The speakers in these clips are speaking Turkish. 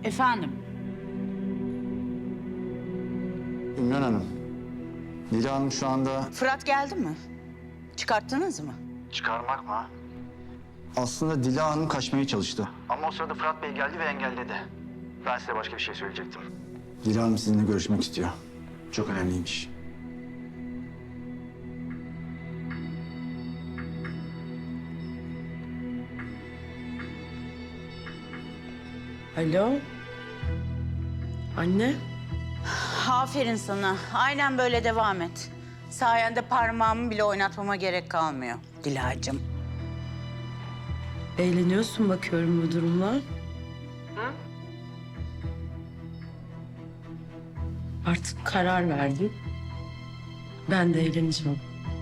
Efendim? Ümran Hanım, Dila Hanım şu anda... Fırat geldi mi? Çıkarttınız mı? Çıkarmak mı? Aslında Dila Hanım kaçmaya çalıştı. Ama o sırada Fırat Bey geldi ve engelledi. Ben size başka bir şey söyleyecektim. Dila Hanım sizinle görüşmek istiyor. Çok önemliymiş. Alo? Anne? Aferin sana. Aynen böyle devam et. Sayende parmağımı bile oynatmama gerek kalmıyor Dilacığım. Eğleniyorsun bakıyorum bu durumla. Artık karar verdim. Ben de eğleneceğim.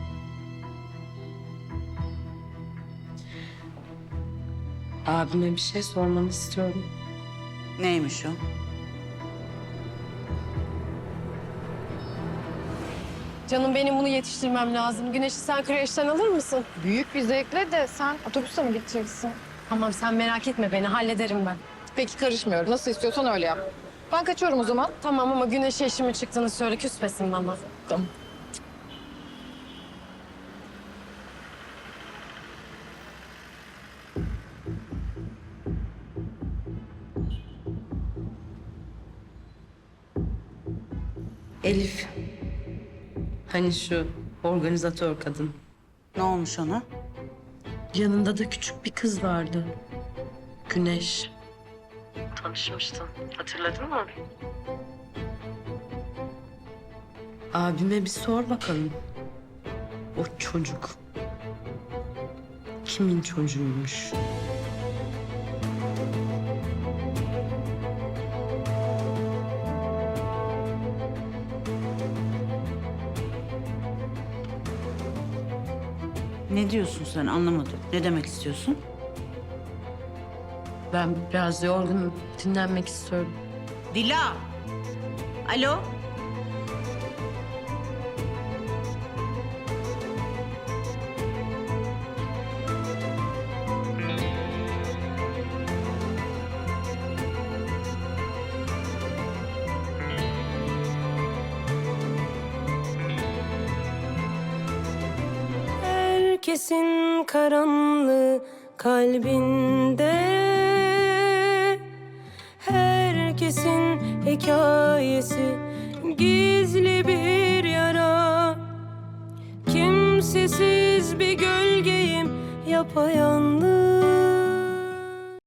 Abime bir şey sormanı istiyorum. Neymiş o? Canım benim bunu yetiştirmem lazım. Güneş'i sen kreşten alır mısın? Büyük bir zevkle de sen otobüste mi gideceksin? Tamam sen merak etme beni hallederim ben. Peki karışmıyorum. Nasıl istiyorsan öyle yap. Ben kaçıyorum o zaman. Tamam ama Güneş'e işimi çıktığını söyle küsmesin bana. Tamam. Elif. Hani şu organizatör kadın. Ne olmuş ona? Yanında da küçük bir kız vardı. Güneş. Tanışmıştın. Hatırladın mı? Abime bir sor bakalım. O çocuk kimin çocuğuymuş? Ne diyorsun sen? Anlamadım. Ne demek istiyorsun? Ben biraz yorgunum. Dinlenmek istiyorum. Dila! Alo? Herkesin karanlığı kalbinde, herkesin hikayesi gizli bir yara. Kimsesiz bir gölgeyim yapayalnız.